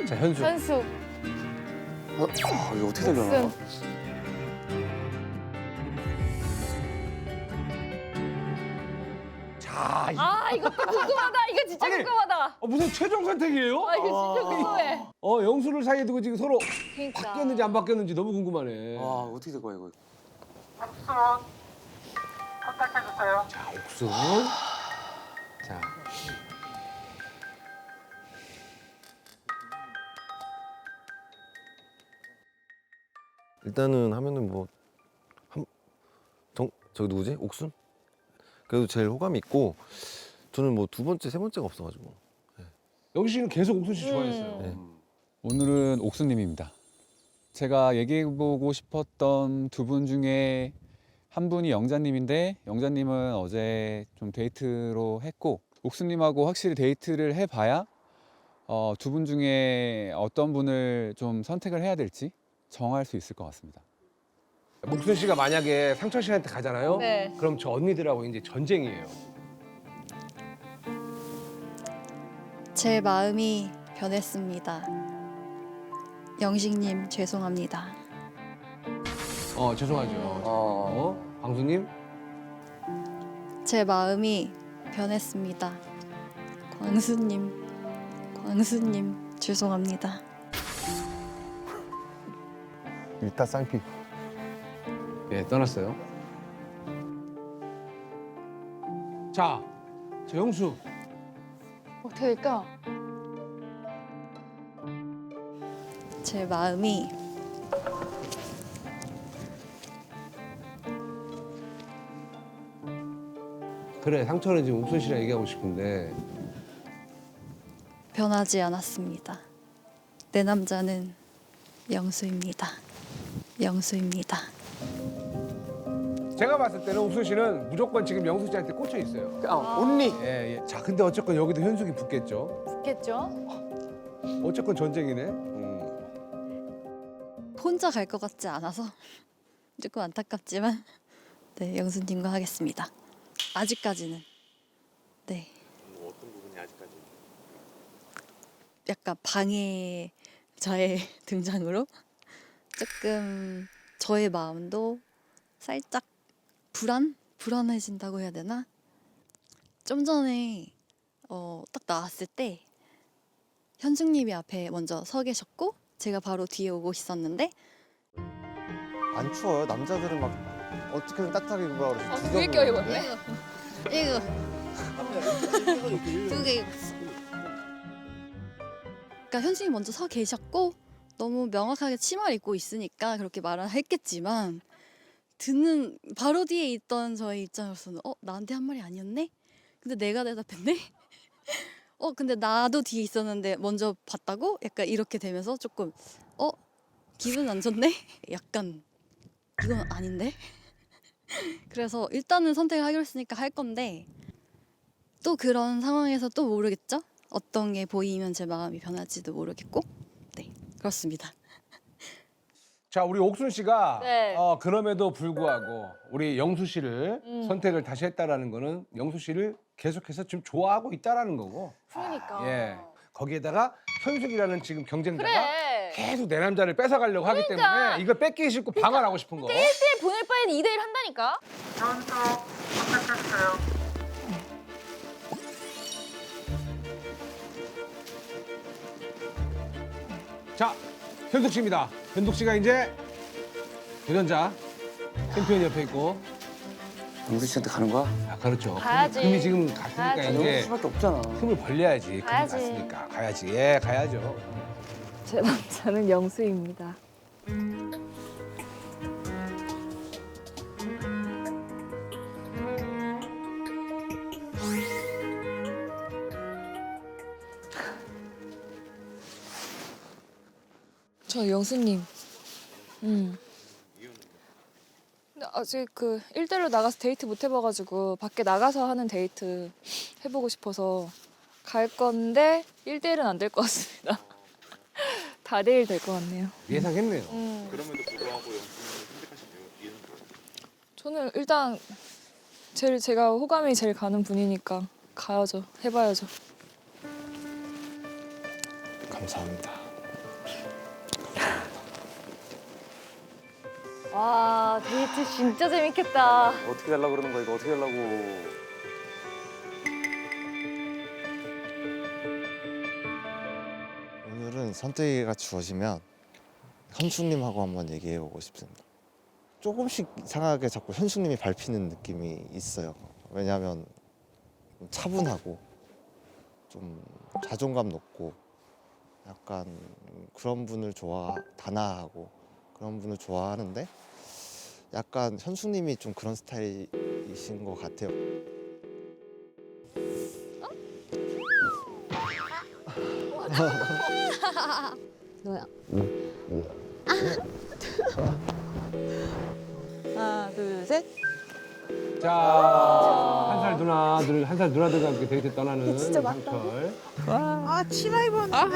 자, 현숙. 현숙. 이거 어떻게 되려나? 옥순. 자, 이것도 궁금하다. 이거 진짜 아니, 궁금하다. 무슨 최종 선택이에요? 이거 진짜 궁금해. 영수를 사이에 두고 지금 서로 그러니까. 바뀌었는지 안 바뀌었는지 너무 궁금하네. 어떻게 될 거야 이거? 옥순 컨택해주세요. 자, 옥순. 자, 일단은 하면은 뭐 저기 누구지? 옥순? 그래도 제일 호감이 있고 저는 뭐 두 번째, 세 번째가 없어가지고. 영수 씨는 계속 옥순 씨 좋아했어요. 네. 오늘은 옥수님입니다. 제가 얘기해보고 싶었던 두 분 중에 한 분이 영자님인데 영자님은 어제 좀 데이트로 했고 옥수님하고 확실히 데이트를 해봐야 두 분 중에 어떤 분을 좀 선택을 해야 될지 정할 수 있을 것 같습니다. 옥순 씨가 만약에 상철 씨한테 가잖아요. 네. 그럼 저 언니들하고 이제 전쟁이에요. 제 마음이 변했습니다. 영식님 죄송합니다. 죄송하죠. 광수님? 제 마음이 변했습니다. 광수님 죄송합니다. 일타 쌍피. 예, 떠났어요. 자, 저 영수. 어떻게 될까? 제 마음이 그래, 상철은 지금 옥순 씨랑 얘기하고 싶은데 변하지 않았습니다. 내 남자는 영수입니다. 영수입니다. 제가 봤을 때는 옥순 씨는 무조건 지금 영수 씨한테 꽂혀 있어요. 온리. 예, 예. 자, 근데 어쨌건 여기도 현숙이 붙겠죠. 좋겠죠? 어쨌건 전쟁이네. 혼자 갈 것 같지 않아서 조금 안타깝지만 네, 영수님과 하겠습니다. 아직까지는. 네. 어떤 부분이 아직까지? 약간 방해 저의 등장으로 조금 저의 마음도 살짝 불안해진다고 해야 되나? 좀 전에 딱 나왔을 때 현숙님이 앞에 먼저 서 계셨고 제가 바로 뒤에 오고 있었는데 안 추워요. 남자들은 막 어떻게든 따뜻하게 입으라 그러지. 두개 껴입었네. 이거 두 개. 그러니까 현숙이 먼저 서 계셨고 너무 명확하게 치마를 입고 있으니까 그렇게 말을 했겠지만 듣는 바로 뒤에 있던 저의 입장으로서는 나한테 한 말이 아니었네? 근데 내가 대답했네? 근데 나도 뒤에 있었는데 먼저 봤다고? 약간 이렇게 되면서 조금 기분 안 좋네? 약간 이건 아닌데? 그래서 일단은 선택을 하기로 했으니까 할 건데 또 그런 상황에서 또 모르겠죠? 어떤 게 보이면 제 마음이 변할지도 모르겠고 네 그렇습니다. 자, 우리 옥순 씨가 네. 그럼에도 불구하고 우리 영수 씨를 선택을 다시 했다라는 거는 영수 씨를 계속해서 지금 좋아하고 있다라는 거고. 그러니까. 예. 거기에다가 현숙이라는 지금 경쟁자가 그래. 계속 내 남자를 뺏어가려고 하기 그러니까. 때문에 이걸 뺏기 싫고 방어하고 싶은 거. 1대1 보낼 바에는 2대1 한다니까? 현숙 컨택해주세요. 자, 현숙 씨입니다. 현숙 씨가 이제 도전자 챔피언 옆에 있고. 영수 씨한테 가는 거야? 아, 그렇죠. 가야지. 금이 지금 갔으니까 가야지. 영수 이제 씨밖에 없잖아. 틈을 벌려야지. 금이 가야지. 갔으니까 가야지. 예, 가야죠. 제 남자는 영수입니다. 저 영수님. 근데 아직 그 1대1로 나가서 데이트 못 해봐가지고 밖에 나가서 하는 데이트 해보고 싶어서 갈 건데 1대1은 안 될 것 같습니다. 다대1 될 것 같네요. 예상했네요. 그럼에도 불구하고 영수님을 선택하신 이유는 뭐예요? 저는 일단 제가 호감이 제일 가는 분이니까 가야죠. 해봐야죠. 감사합니다. 와, 데이트 진짜 재밌겠다. 어떻게 하려고 그러는 거야 이거 어떻게 하려고. 오늘은 선택이가 주어지면 현숙님하고 한번 얘기해보고 싶습니다. 조금씩 이상하게 자꾸 현숙님이 밟히는 느낌이 있어요. 왜냐하면 좀 차분하고 좀 자존감 높고 약간 그런 분을 단아하고 그런 분을 좋아하는데 약간 현숙님이 좀 그런 스타일이신 것 같아요. 너야. 하나, 둘, 셋. 자, 한 살 누나들과 함께 데이트 떠나는 상철. 아 치마 입었는데.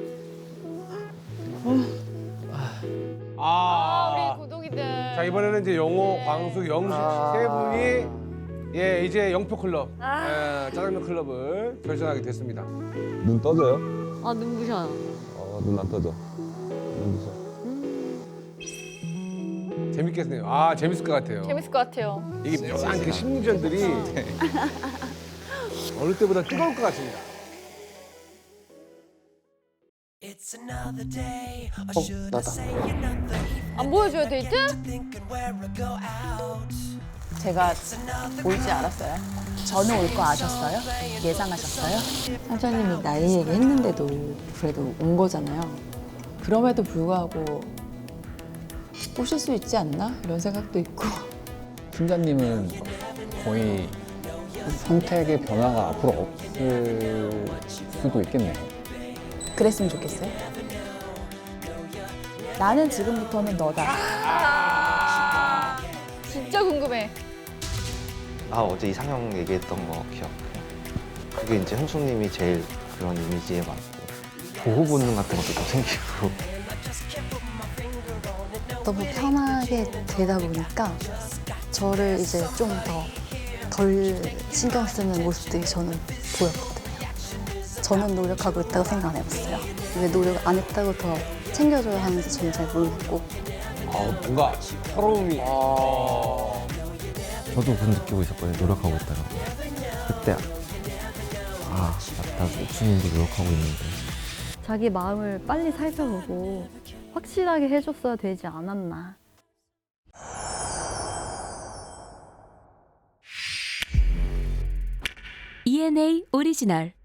우리 고독이들. 자, 이번에는 이제 영호, 광수, 영수 씨 세 분이 예, 이제 영표 클럽, 짜장면 클럽을 결성하게 됐습니다. 눈 떠져요? 아, 눈부셔. 눈 안 떠져. 눈부셔. 재밌겠네요. 아, 재밌을 것 같아요. 재밌을 것 같아요. 이게 묘한 그 심리전들이 어느 때보다 뜨거울 것 같습니다. 안 보여줘요, 데이트? 제가 올지 알았어요? 저는 올 거 아셨어요? 예상하셨어요? 사장님이 나이 얘기했는데도 그래도 온 거잖아요. 그럼에도 불구하고 오실 수 있지 않나? 이런 생각도 있고. 팀장님은 거의 선택의 변화가 앞으로 없을 수도 있겠네요. 그랬으면 좋겠어요? 나는 지금부터는 너다. 진짜 궁금해. 어제 이상형 얘기했던 거 기억해요. 그게 이제 현숙님이 제일 그런 이미지에 맞고 보호 본능 같은 것도 좀 생기고. 너무 편하게 되다 보니까 저를 이제 좀 더 덜 신경 쓰는 모습들이 저는 보였거든요. 저는 노력하고 있다고 생각 안 해봤어요. 왜 노력 안 했다고 더 챙겨줘야 하는지 저는 잘 모르겠고. 뭔가 서러움이. 저도 그런 느끼고 있었거든요. 노력하고 있다가 그때 맞다. 옥수님도 노력하고 있는데. 자기 마음을 빨리 살펴보고 확실하게 해줬어야 되지 않았나. ENA 오리지널